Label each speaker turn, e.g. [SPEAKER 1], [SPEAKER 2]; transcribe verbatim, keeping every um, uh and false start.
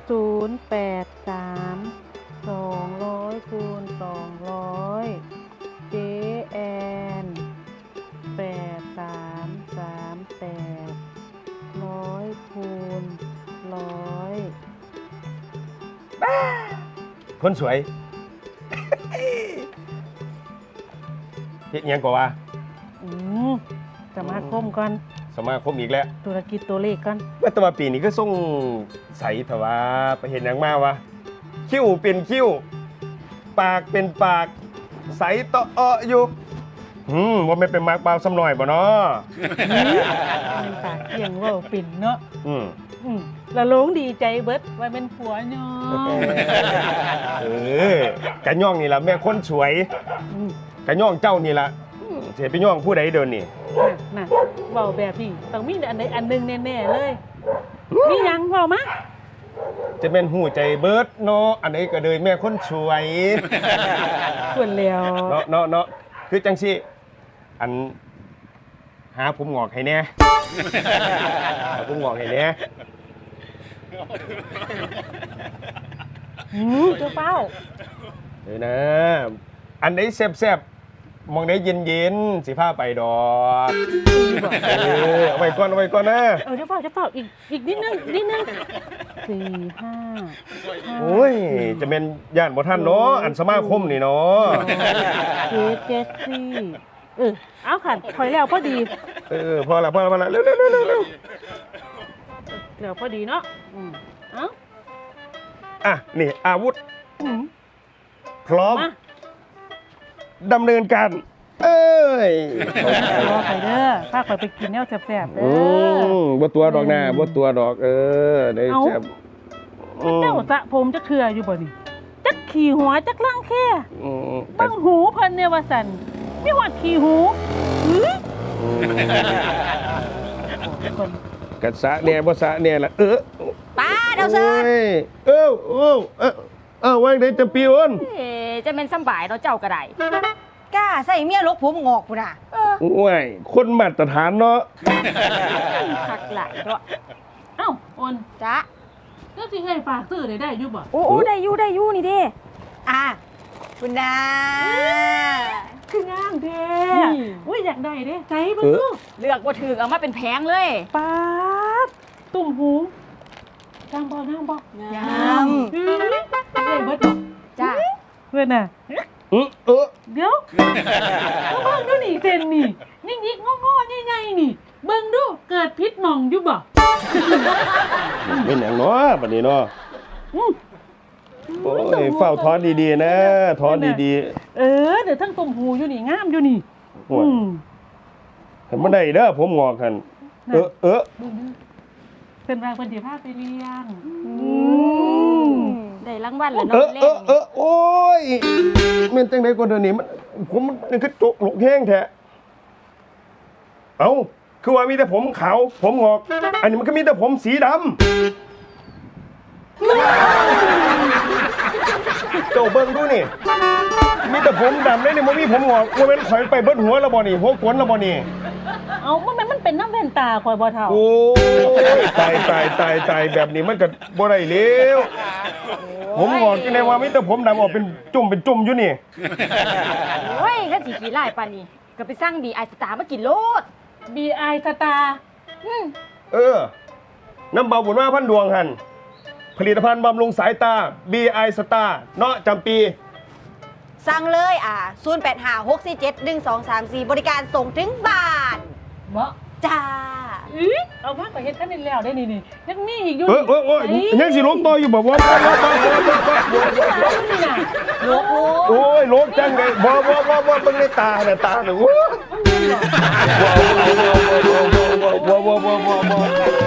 [SPEAKER 1] ศูนย์แปดสามสองร้อยคูณสองร้อยเจแอนแปดสามสามแปดร้อยคูณร้อย
[SPEAKER 2] คนสวยเฮ็ดยังกว่า
[SPEAKER 1] อืมสมาคมก่อน
[SPEAKER 2] สมาคมอีกแล้ว
[SPEAKER 1] ธุรกิจตัวเลขก่อน
[SPEAKER 2] ว่าแต่ว่าปีนี้ก็ส่งใสแต่ว่าไปเห็นยังมาวะคิ้วเป็นคิ้วปากเป็นปากใสต่อเอะอยู่อืมว่าไม่เป็นมากเปล่าซ้ำหน่อยบ่เนาะ
[SPEAKER 1] เป็นปากเที่ยงว่าปิ่นเนาะอืมอืมละลงดีใจเบิดว่าเป็นผัวเนาะ
[SPEAKER 2] เออกะย่องนี่ล่ะแม่คนสวยกะย่องเจ้านี่ล่ะเสียไปย่องผู้ใดเดินนี่
[SPEAKER 1] น่ะเว้าแบบนี้ต้องมีอันใดอันหนึ่งแน่ๆเลยมียังเว้ามา
[SPEAKER 2] จะเป็นหูใจเบิร์ดเนาะอันนี้ก็เลยแม่คนสวย
[SPEAKER 1] ส่วนแล้ว
[SPEAKER 2] เนาะเนาะเนาะคือจังสิอันหาผมงอกให้แน่หาผมงอกให้แน่
[SPEAKER 1] หืมเจ้าเป้า
[SPEAKER 2] เดี๋ยวนะอันไหนแซ่บๆมองได้เย็นๆสิพาไปดอกเออเอาไว้ก่อนเอาไว้ก่อนนะ
[SPEAKER 1] เออเจ้าเป้าเจ้าเป้าอีกอีกนิดนึงนิดนึงสี่ห้า
[SPEAKER 2] โอ้ยจะเป็นย่านบ่ทันเนาะอันสมาคมนี่เนาะ
[SPEAKER 1] เจ็ดเจ็ดสี่เออเอาค่ะถอยแล้วพอดี
[SPEAKER 2] เออพอละพอละพอละเร็วเร็วเร็วเร็วเร็ว
[SPEAKER 1] เร็วพอดีเนาะอืมเอา
[SPEAKER 2] อ่ะนี่อาวุธพร้อมดำเนินการเอ้ย
[SPEAKER 1] รอไปเด้อพาไปกินแนวแซ่บๆเด้
[SPEAKER 2] อบ่ตัวดอกหน้าบ่ตัวดอกเออได้แซ่บ
[SPEAKER 1] เจ้าสะผมจะเถื่ออยู่บ่นี่จักขี่หัวจักล่างแค่บังหูเพิ่นเนี่ยว่าสั่นมีหอดขี่หู
[SPEAKER 2] กะสะเนี่ยบ่สะเนี่ยล่ะเออ
[SPEAKER 3] ป้าเดาเซิร์
[SPEAKER 2] เอ้าเอ้าเอ้าเอ้าว่าได้จะปีอ้น
[SPEAKER 3] เอ๊จะเป็นสบายเนาะเจ้ากระไดกล้าใส่เมียลกผมงอกพุ่นน่ะเออ
[SPEAKER 2] โอ้ยคนมาตรฐานเนาะ
[SPEAKER 3] คักหลายเนาะ
[SPEAKER 1] เอ้าอ้น
[SPEAKER 3] จ๊ะ
[SPEAKER 1] ก็สิให้ฝากซื้อได้ได้อยู่บ่
[SPEAKER 3] โอ้ได้อยู่ได้อยู่นี่ดิอ่ะคุณนา
[SPEAKER 1] คืองามแท้อุ้ยอยากได้เด้ใจเบิ่งดู
[SPEAKER 3] เลือกบ่ถูกเอามาเป็นแผงเลย
[SPEAKER 1] ป๊าดตุ่มหูงามบ่งามบ่
[SPEAKER 3] งาม
[SPEAKER 1] เอ้ยเบิด
[SPEAKER 3] จ้ะ
[SPEAKER 1] เพิ่นน่ะ
[SPEAKER 2] เออเออ
[SPEAKER 1] เดี๋ยวเบิ่งดูนี่เส้นนี่ยิกๆงอๆใหญ่ๆนี่เบิ่งดูเกิดพิษหม่องอยู่บ่
[SPEAKER 2] เป็นหยังเนาะบัดนี้เนาะโอ้ยเฝ้าถอนดีๆนะถอนดี
[SPEAKER 1] ๆเออเดี๋ยวทั้งตุ่มหูอยู่นี่งามอยู่นี่
[SPEAKER 2] อืมเห็นบ่ได้เด้อผมงอกคั่นเออเออ
[SPEAKER 1] เพิ่นว่าเพิ่นสิพาไปเลี้ยง
[SPEAKER 3] ได้รางวัลแล้วเนาะ
[SPEAKER 2] เออเออโอ้ยแม่นจังได๋กว่าเดี๋ยวนี้มันผมมันคือจกหลกแห้งแท้เอ้าคือว่ามีแต่ผมขาวผมงอกอันนี้มันก็มีแต่ผมสีดำเจ้าเบิ่งดูนี่มีแต่ผมดำเลยนี่มันมีผมงอกว่าเป็นข่อยไปเบิดหัวแล้วบ่นี่หัวขนแล้วบ่นี่
[SPEAKER 1] เอามันมันเป็นน้ำแว่นตาข่อยบ่เท่า
[SPEAKER 2] โอ้ยตายตายตายตายแบบนี้มันก็บ่ได้แล้วผมงอกจังได๋ว่ามีแต่ผมดำออกเป็นจุ่มเป็นจุ่มอยู่นี่
[SPEAKER 3] โอ้ยคันสิขี้ร้ายปานนี้ก็ไปสั่ง บี ไอ สตาร์มากินโลด
[SPEAKER 1] บี ไอ สตาร์
[SPEAKER 2] เออน้ำเบาบุญมาพันดวงหันผลิตภัณฑ์บำรุงสายตา บี ไอ สตาร์เนาะจำปี
[SPEAKER 3] สั่งเลยอ่ะศูนย์ แปด ห้า หก สี่ เจ็ด หนึ่ง สอง สาม สี่บริการส่งถึงบ้าน
[SPEAKER 1] บ่
[SPEAKER 3] จ้า
[SPEAKER 1] อื้อเอามาก็เฮ็ดคันนี้แล้วได้นี่นี่ยังมีอีกอยู่
[SPEAKER 2] เออเออเออยังสิลงต่ออยู่บ่บ่บ่บ่บ่
[SPEAKER 3] ลก
[SPEAKER 2] โอ้ยลกจังได๋บ่บ่บ่บ่เบิ่งในตาน่ะตาน่ะโอ้บ่บ่บ่บ่บ่บ่บ่บ่